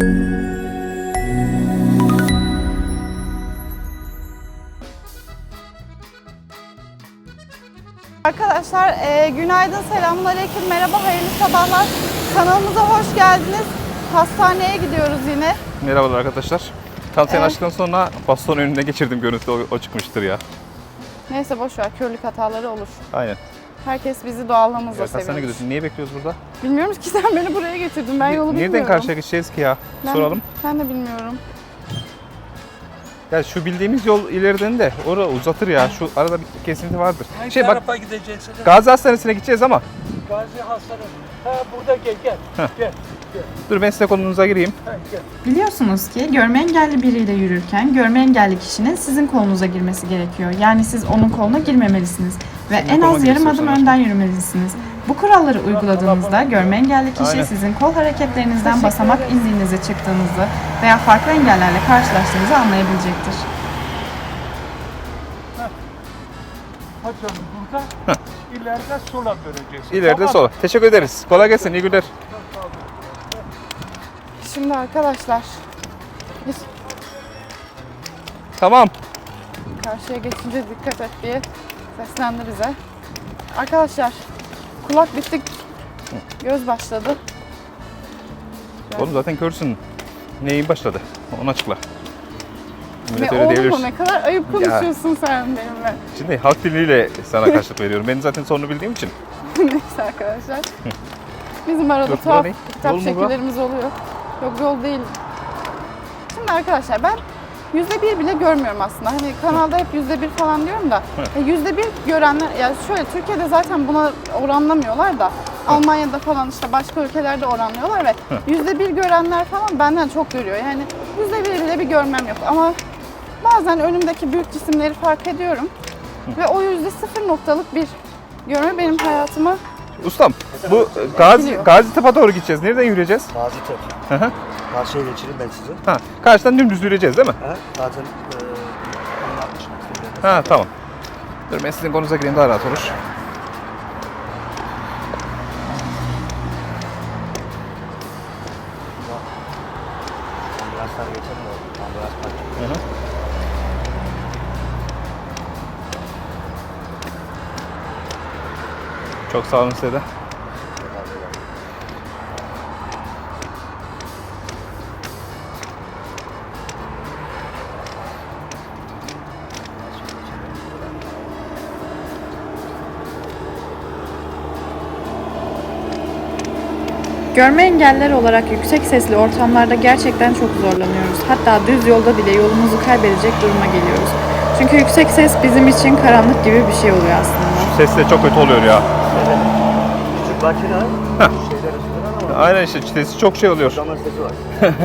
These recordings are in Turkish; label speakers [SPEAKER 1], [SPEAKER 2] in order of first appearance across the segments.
[SPEAKER 1] Arkadaşlar günaydın, selamünaleyküm, merhaba, hayırlı sabahlar. Kanalımıza hoş geldiniz. Hastaneye gidiyoruz yine.
[SPEAKER 2] Merhabalar arkadaşlar. Tam sen açtıktan sonra baston önünde geçirdim, görüntü o çıkmıştır ya.
[SPEAKER 1] Neyse boş ver, körlük hataları olur.
[SPEAKER 2] Aynen.
[SPEAKER 1] Herkes bizi doğallığımızla
[SPEAKER 2] Ya, hastaneye
[SPEAKER 1] seviyor.
[SPEAKER 2] gidiyorsun. Niye bekliyoruz burada?
[SPEAKER 1] Bilmiyorum ki, sen beni buraya getirdin. Ben yolu bilmiyorum.
[SPEAKER 2] Nereden karşıya geçeceğiz ki ya? Soralım.
[SPEAKER 1] Ben de bilmiyorum.
[SPEAKER 2] Ya şu bildiğimiz yol ileriden de orada uzatır ya. Şu arada bir kesinti vardır.
[SPEAKER 3] Hangi
[SPEAKER 2] Bak,
[SPEAKER 3] tarafa gideceksiniz?
[SPEAKER 2] Gazi Hastanesi'ne gideceğiz ama.
[SPEAKER 3] Gazi Hastanesi. Ha burada gel. Gel.
[SPEAKER 2] Dur ben size kolunuza gireyim.
[SPEAKER 3] Ha, gel.
[SPEAKER 4] Biliyorsunuz ki görme engelli biriyle yürürken görme engelli kişinin sizin kolunuza girmesi gerekiyor. Yani siz onun koluna girmemelisiniz ve en
[SPEAKER 2] koluma
[SPEAKER 4] az yarım
[SPEAKER 2] girsin
[SPEAKER 4] adım
[SPEAKER 2] sana.
[SPEAKER 4] önden yürümelisiniz. Bu kuralları uyguladığınızda görme engelli kişi
[SPEAKER 2] Aynen.
[SPEAKER 4] sizin kol hareketlerinizden basamak indiğinizi, çıktığınızı veya farklı engellerle karşılaştığınızı anlayabilecektir.
[SPEAKER 3] Hadi canım burada. İleride sola döneceksin.
[SPEAKER 2] İleride
[SPEAKER 3] Tamam.
[SPEAKER 2] sola. Teşekkür ederiz. Kolay gelsin. İyi günler.
[SPEAKER 1] Şimdi arkadaşlar, biz
[SPEAKER 2] Tamam.
[SPEAKER 1] karşıya geçince dikkat et diye seslendi bize. Arkadaşlar, kulak bittik, göz başladı.
[SPEAKER 2] Oğlum zaten körsün. Neyin başladı? Onu açıkla. Millet
[SPEAKER 1] Ne
[SPEAKER 2] öyle
[SPEAKER 1] oğlum,
[SPEAKER 2] diyebilir.
[SPEAKER 1] ne kadar ayıp konuşuyorsun sen benimle.
[SPEAKER 2] Şimdi halk diliyle sana karşılık veriyorum. Ben zaten sorunu bildiğim için.
[SPEAKER 1] Neyse arkadaşlar. Bizim arada
[SPEAKER 2] Dur,
[SPEAKER 1] tuhaf
[SPEAKER 2] bura ne?
[SPEAKER 1] kitap
[SPEAKER 2] Yol mu bura?
[SPEAKER 1] şekillerimiz oluyor. Yok, yol değil. Şimdi arkadaşlar, ben %1 bile görmüyorum aslında. Hani kanalda hep %1 falan diyorum da. %1 görenler, yani şöyle Türkiye'de zaten buna oranlamıyorlar da. Almanya'da falan işte başka ülkelerde oranlıyorlar ve %1 görenler falan benden çok görüyor. Yani %1 bile bir görmem yok ama bazen önümdeki büyük cisimleri fark ediyorum. Ve o %0 noktalık bir görme benim hayatımı
[SPEAKER 2] Ustam, bu Gazi Tepe'ye doğru gideceğiz. Nereden yürüyeceğiz?
[SPEAKER 5] Gaziantep.
[SPEAKER 2] Hı hı.
[SPEAKER 5] Karşıya geçireyim ben sizi.
[SPEAKER 2] Ha, karşıdan dümdüz yürüyeceğiz değil mi?
[SPEAKER 5] Ha? Zaten 60 metre.
[SPEAKER 2] Ha, tamam. Dur ben sizin konunuza gireyim, daha rahat olur.
[SPEAKER 5] Ambulanslar geçer mi? Ambulans parkı.
[SPEAKER 2] Hı hı. Çok sağ olun size de.
[SPEAKER 4] Görme engelliler olarak yüksek sesli ortamlarda gerçekten çok zorlanıyoruz. Hatta düz yolda bile yolumuzu kaybedecek duruma geliyoruz. Çünkü yüksek ses bizim için karanlık gibi bir şey oluyor aslında.
[SPEAKER 2] Ses de çok kötü oluyor ya.
[SPEAKER 5] Küçük makine şeyler üstünden ama
[SPEAKER 2] Aynen işte sesi çok şey oluyor.
[SPEAKER 5] zaman sesi var.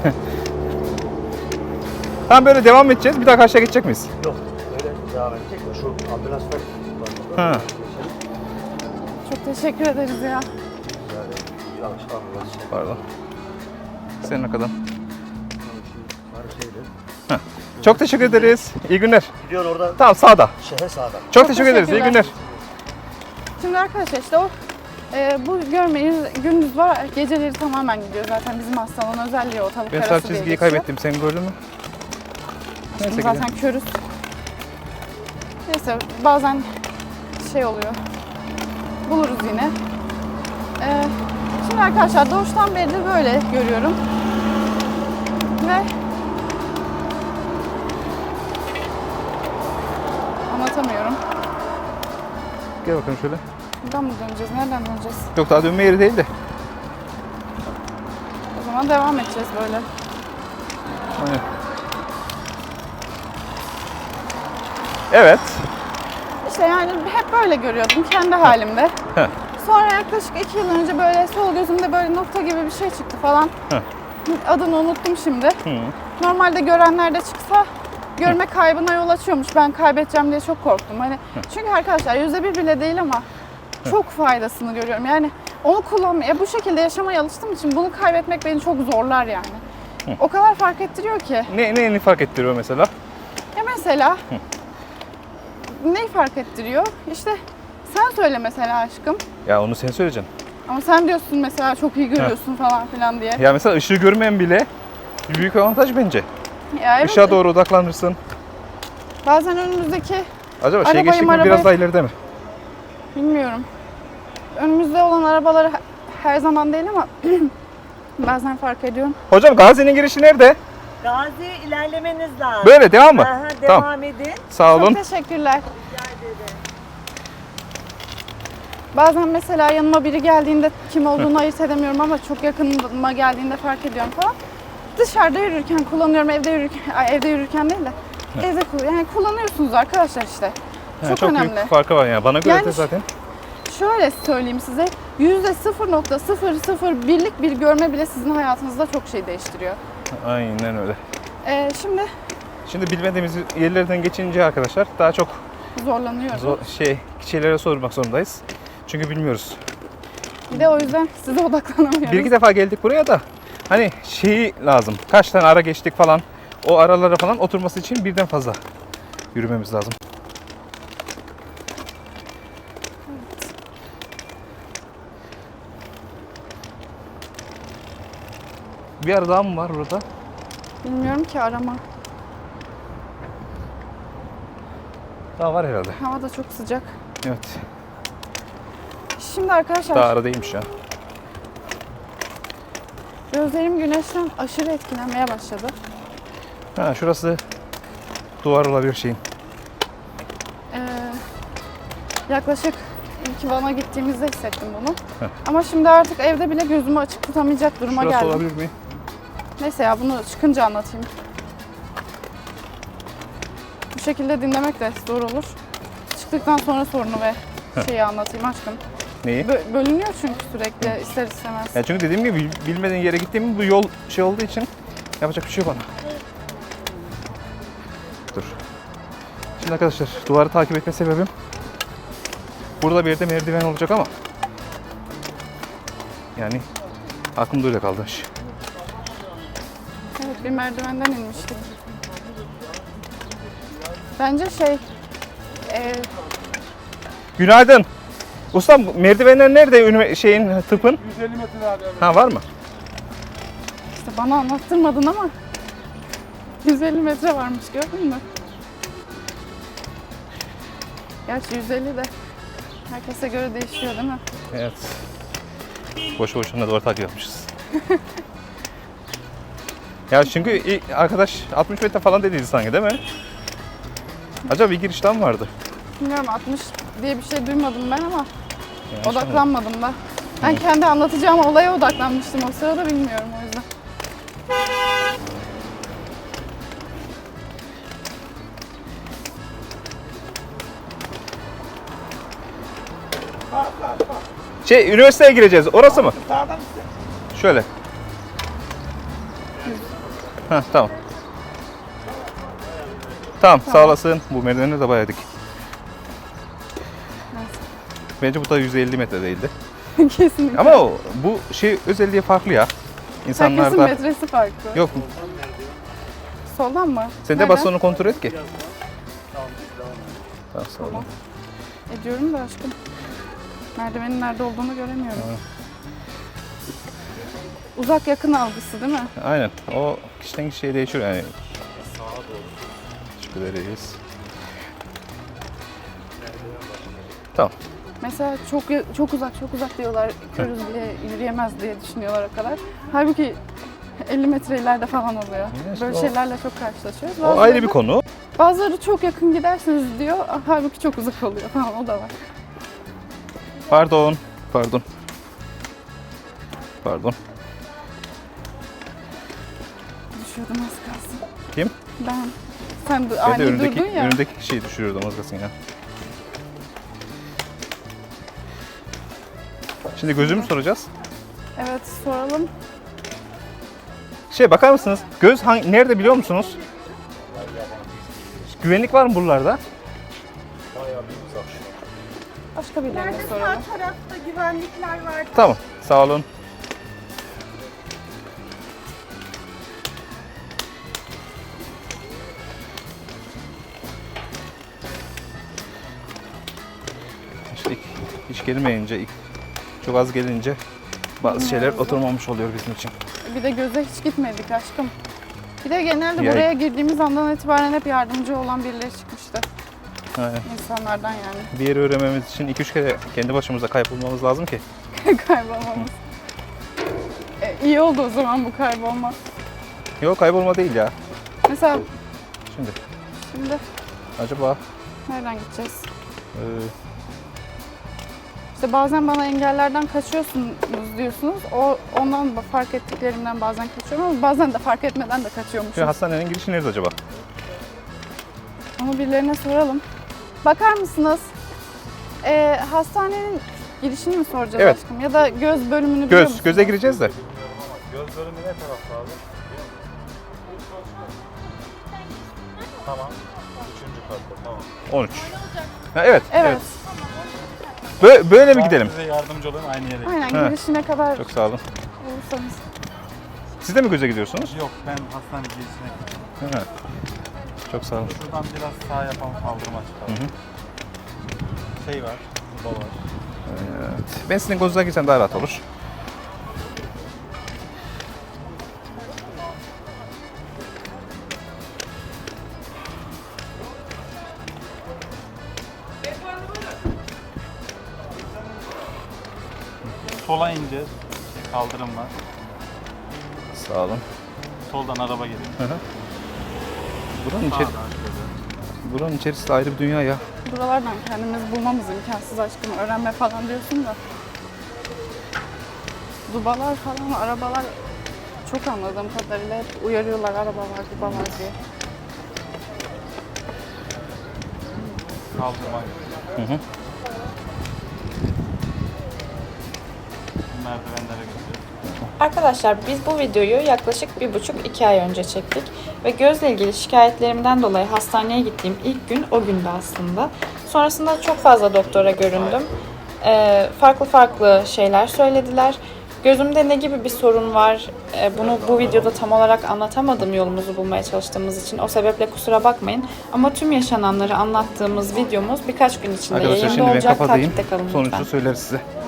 [SPEAKER 2] Tamam, böyle devam edeceğiz. Bir daha karşıya geçecek miyiz?
[SPEAKER 5] Yok. Öyle devam edecek mi? Şu ambulanslar var.
[SPEAKER 2] Ha.
[SPEAKER 1] çok teşekkür ederiz ya.
[SPEAKER 5] Yanlış ambulans.
[SPEAKER 2] Pardon. Senin ne kadar?
[SPEAKER 5] Var şeyde.
[SPEAKER 2] Çok teşekkür ederiz. İyi günler.
[SPEAKER 5] Gidiyor oradan
[SPEAKER 2] Tamam, sağda.
[SPEAKER 5] şehre sağdan.
[SPEAKER 2] Çok teşekkür ederiz. İyi
[SPEAKER 1] teşekkürler.
[SPEAKER 2] günler.
[SPEAKER 1] Şimdi arkadaşlar işte o bu görmeyi gündüz var, geceleri tamamen gidiyor. Zaten bizim hastalığın özelliği o, tavuk
[SPEAKER 2] Ben
[SPEAKER 1] arası
[SPEAKER 2] sağ
[SPEAKER 1] diye
[SPEAKER 2] çizgiyi
[SPEAKER 1] geçiyor.
[SPEAKER 2] kaybettim. Sen gördün mü? Neyse
[SPEAKER 1] Şimdi zaten körüz. Neyse bazen şey oluyor. Buluruz yine. Şimdi arkadaşlar doğuştan beridir böyle görüyorum. Ve anlatamıyorum.
[SPEAKER 2] Gel bakalım şöyle.
[SPEAKER 1] Buradan mı döneceğiz? Nereden döneceğiz?
[SPEAKER 2] Yok, daha dönme yeri değil de.
[SPEAKER 1] O zaman devam edeceğiz böyle.
[SPEAKER 2] Aynen. Evet.
[SPEAKER 1] İşte yani hep böyle görüyordum kendi halimde.
[SPEAKER 2] Heh.
[SPEAKER 1] Sonra yaklaşık 2 yıl önce böyle sol gözümde böyle nokta gibi bir şey çıktı falan.
[SPEAKER 2] Heh.
[SPEAKER 1] Adını unuttum şimdi.
[SPEAKER 2] Hı.
[SPEAKER 1] Normalde görenlerde çıksa görme kaybına yol açıyormuş. Ben kaybedeceğim diye çok korktum. Hani çünkü arkadaşlar %1 bile değil ama çok faydasını görüyorum. Yani onu kullanmaya, bu şekilde yaşamaya alıştığım için bunu kaybetmek beni çok zorlar yani. O kadar fark ettiriyor ki.
[SPEAKER 2] Neyini fark ettiriyor mesela?
[SPEAKER 1] Ya mesela neyi fark ettiriyor? İşte sen söyle mesela aşkım.
[SPEAKER 2] Ya onu sen söyleyeceksin.
[SPEAKER 1] Ama sen diyorsun mesela çok iyi görüyorsun falan filan diye.
[SPEAKER 2] Ya mesela ışığı görmeyen bile bir büyük avantaj bence.
[SPEAKER 1] Ya evet,
[SPEAKER 2] Işığa doğru odaklanırsın.
[SPEAKER 1] bazen önümüzdeki
[SPEAKER 2] Acaba
[SPEAKER 1] Arabayı
[SPEAKER 2] geçtik mi
[SPEAKER 1] marabayı-
[SPEAKER 2] biraz daha ileride mi?
[SPEAKER 1] bilmiyorum. Önümüzde olan arabaları her zaman değil ama bazen fark ediyorum.
[SPEAKER 2] Hocam Gazi'nin girişi nerede?
[SPEAKER 6] Gazi ilerlemeniz lazım.
[SPEAKER 2] Böyle devam mı?
[SPEAKER 6] Aha,
[SPEAKER 2] Tamam.
[SPEAKER 6] devam edin.
[SPEAKER 2] Sağ olun.
[SPEAKER 1] Çok teşekkürler. Bazen mesela yanıma biri geldiğinde kim olduğunu ayırt edemiyorum ama çok yakınıma geldiğinde fark ediyorum falan. Dışarıda yürürken kullanıyorum, evde yürürken değil de evde yani kullanıyorsunuz arkadaşlar işte.
[SPEAKER 2] Ha,
[SPEAKER 1] Çok
[SPEAKER 2] çok
[SPEAKER 1] önemli.
[SPEAKER 2] büyük farkı var yani. Bana göre
[SPEAKER 1] Yani
[SPEAKER 2] de zaten.
[SPEAKER 1] Şöyle söyleyeyim size, %0.001'lik bir görme bile sizin hayatınızda çok şey değiştiriyor.
[SPEAKER 2] Aynen öyle.
[SPEAKER 1] Şimdi
[SPEAKER 2] Şimdi bilmediğimiz yerlerden geçince arkadaşlar daha çok
[SPEAKER 1] zorlanıyorum.
[SPEAKER 2] şeylere sormak zorundayız. Çünkü bilmiyoruz.
[SPEAKER 1] Bir de o yüzden size odaklanamıyorum.
[SPEAKER 2] Bir iki defa geldik buraya da hani şeyi lazım. Kaç tane ara geçtik falan. O aralara falan oturması için birden fazla yürümemiz lazım. Bir ara daha mı var burada?
[SPEAKER 1] Bilmiyorum ki arama.
[SPEAKER 2] Daha var herhalde.
[SPEAKER 1] Hava da çok sıcak.
[SPEAKER 2] Evet.
[SPEAKER 1] Şimdi arkadaşlar
[SPEAKER 2] Daha ara değilmiş ya.
[SPEAKER 1] gözlerim güneşten aşırı etkilenmeye başladı.
[SPEAKER 2] Ha, şurası duvar olabilir şeyin.
[SPEAKER 1] Yaklaşık ilk Van'a gittiğimizde hissettim bunu. Ama şimdi artık evde bile gözümü açık tutamayacak duruma
[SPEAKER 2] Şurası
[SPEAKER 1] geldim.
[SPEAKER 2] olabilir mi?
[SPEAKER 1] Neyse ya bunu çıkınca anlatayım. Bu şekilde dinlemek de zor olur. Çıktıktan sonra sorunu ve şeyi anlatayım aşkım.
[SPEAKER 2] Neyi?
[SPEAKER 1] Bölünüyor çünkü sürekli ister istemez.
[SPEAKER 2] Ya çünkü dediğim gibi bilmediğin yere gittiğim bu yol şey olduğu için yapacak bir şey yok bana. Dur. Şimdi arkadaşlar duvarı takip etme sebebim burada bir yerde merdiven olacak ama yani aklımda öyle kaldı.
[SPEAKER 1] Evet bir merdivenden inmiştik. Bence
[SPEAKER 2] Günaydın. Ustam merdivenler nerede şeyin tıpın?
[SPEAKER 3] 150 metre abi.
[SPEAKER 2] Ha var mı?
[SPEAKER 1] işte bana anlattırmadın ama 150 metre varmış gördün mü? Gerçi 150 de herkese göre değişiyor değil mi?
[SPEAKER 2] Evet. Boşu boşuna duvar takip yapmışız. Ya çünkü ilk arkadaş 60 metre falan dediydi sanki değil mi? Acaba bir giriş daha mı vardı?
[SPEAKER 1] Bilmiyorum 60 diye bir şey duymadım ben ama
[SPEAKER 2] Yanlış
[SPEAKER 1] odaklanmadım da. Ben kendi anlatacağım olaya odaklanmıştım o sırada bilmiyorum o yüzden.
[SPEAKER 2] Üniversiteye gireceğiz. Orası mı? Şöyle. Ha tamam. Tamam, sağ olasın. Bu merdivenleri de bayağı dik. Bence bu da 150 metre değildi.
[SPEAKER 1] Kesinlikle.
[SPEAKER 2] Ama bu şey özelliği farklı ya.
[SPEAKER 1] Herkesin
[SPEAKER 2] İnsanlarda.
[SPEAKER 1] metresi farklı.
[SPEAKER 2] Yok.
[SPEAKER 1] Soldan mı?
[SPEAKER 2] Sen de
[SPEAKER 1] Nereden?
[SPEAKER 2] bastonu kontrol et ki. Tamam, sağ olun.
[SPEAKER 1] Ediyorum da aşkım. Merdivenin nerede olduğunu göremiyorum. Uzak yakın algısı değil mi?
[SPEAKER 2] Aynen. O kişiden kişiye değişiyor yani. Teşekkür ederiz. Tamam.
[SPEAKER 1] Mesela çok uzak diyorlar. Körüz bile yürüyemez diye düşünüyorlar o kadar. Halbuki 50 metre ileride falan oluyor.
[SPEAKER 2] Evet,
[SPEAKER 1] Böyle
[SPEAKER 2] o-
[SPEAKER 1] şeylerle çok karşılaşıyoruz.
[SPEAKER 2] O ayrı bir konu.
[SPEAKER 1] Bazıları çok yakın gidersiniz diyor. Halbuki çok uzak oluyor falan o da var.
[SPEAKER 2] Pardon. Pardon. Pardon.
[SPEAKER 1] Düşüyordum az kalsın.
[SPEAKER 2] Kim?
[SPEAKER 1] Ben. Sen
[SPEAKER 2] Ben de
[SPEAKER 1] ani
[SPEAKER 2] önündeki,
[SPEAKER 1] durdun ya.
[SPEAKER 2] önündeki kişiyi düşürüyordum az kalsın ya. Şimdi gözümü soracağız.
[SPEAKER 1] Evet soralım.
[SPEAKER 2] Bakar mısınız? Göz nerede biliyor musunuz? Güvenlik var mı buralarda?
[SPEAKER 1] Başka birilerine
[SPEAKER 6] Sağ
[SPEAKER 1] soralım.
[SPEAKER 6] tarafta güvenlikler var.
[SPEAKER 2] Tamam. Sağ olun. İşte hiç gelmeyince, çok az gelince bazı şeyler oturmamış oluyor bizim için.
[SPEAKER 1] Bir de göze hiç gitmedik aşkım. Bir de genelde
[SPEAKER 2] Ya-
[SPEAKER 1] buraya girdiğimiz andan itibaren hep yardımcı olan birileri çıkmıştı.
[SPEAKER 2] Aynen.
[SPEAKER 1] İnsanlardan yani.
[SPEAKER 2] Bir yeri öğrenmemiz için 2-3 kere kendi başımıza kaybolmamız lazım ki.
[SPEAKER 1] Kaybolmamız. İyi oldu o zaman bu kaybolma.
[SPEAKER 2] Yok, kaybolma değil ya.
[SPEAKER 1] Mesela
[SPEAKER 2] Şimdi
[SPEAKER 1] şimdi
[SPEAKER 2] acaba
[SPEAKER 1] nereden gideceğiz?
[SPEAKER 2] e,
[SPEAKER 1] İşte bazen bana engellerden kaçıyorsunuz diyorsunuz. Ondan fark ettiklerimden bazen kaçıyorum ama bazen de fark etmeden de kaçıyormuşum.
[SPEAKER 2] hastanenin girişi nerede acaba?
[SPEAKER 1] Onu birilerine soralım. Bakar mısınız? Hastanenin girişini mi soracağız
[SPEAKER 2] Evet.
[SPEAKER 1] aşkım? Ya da göz bölümünü biliyor musunuz?
[SPEAKER 2] Göze gireceğiz de.
[SPEAKER 5] Göz bölümü ne tarafta abi? Tamam. 3. katta tamam.
[SPEAKER 2] 13. Ha, evet.
[SPEAKER 1] Evet.
[SPEAKER 2] Böyle mi gidelim?
[SPEAKER 5] Size yardımcı olayım aynı yere.
[SPEAKER 1] Aynen
[SPEAKER 2] He.
[SPEAKER 1] girişine kadar
[SPEAKER 2] Çok sağ olun.
[SPEAKER 1] olursanız.
[SPEAKER 2] Siz de mi göze gidiyorsunuz?
[SPEAKER 5] Yok ben hastane girişine gittim.
[SPEAKER 2] Ha. Çok sağ olun.
[SPEAKER 5] Şuradan biraz sağ yapan kaldırıma çıkalım. Şey var. Burada var.
[SPEAKER 2] Evet. Ben sizin gözünüze girsem daha rahat olur.
[SPEAKER 5] Sola ineceğiz. Kaldırım var.
[SPEAKER 2] Sağ olun.
[SPEAKER 5] Soldan araba geliyor.
[SPEAKER 2] Buranın,
[SPEAKER 5] Sağdan şöyle.
[SPEAKER 2] buranın içerisi de ayrı bir dünya ya.
[SPEAKER 1] Buralardan kendimiz bulmamız imkansız aşkım. Öğrenme falan diyorsun da. Dubalar falan, arabalar çok anladığım kadarıyla hep uyarıyorlar arabalar, dubalar diye.
[SPEAKER 5] Kaldırma.
[SPEAKER 2] Hı.
[SPEAKER 5] Merdivenlere gidiyor.
[SPEAKER 4] Arkadaşlar biz bu videoyu yaklaşık 1,5-2 ay önce çektik ve gözle ilgili şikayetlerimden dolayı hastaneye gittiğim ilk gün o gündü aslında. Sonrasında çok fazla doktora göründüm. Farklı farklı şeyler söylediler. Gözümde ne gibi bir sorun var, bunu bu videoda tam olarak anlatamadım yolumuzu bulmaya çalıştığımız için. O sebeple kusura bakmayın. Ama tüm yaşananları anlattığımız videomuz birkaç gün içinde
[SPEAKER 2] Arkadaşlar
[SPEAKER 4] yayında
[SPEAKER 2] şimdi ben
[SPEAKER 4] olacak.
[SPEAKER 2] kapatayım.
[SPEAKER 4] Takipte kalın
[SPEAKER 2] Sonucu
[SPEAKER 4] lütfen.
[SPEAKER 2] söyleriz size.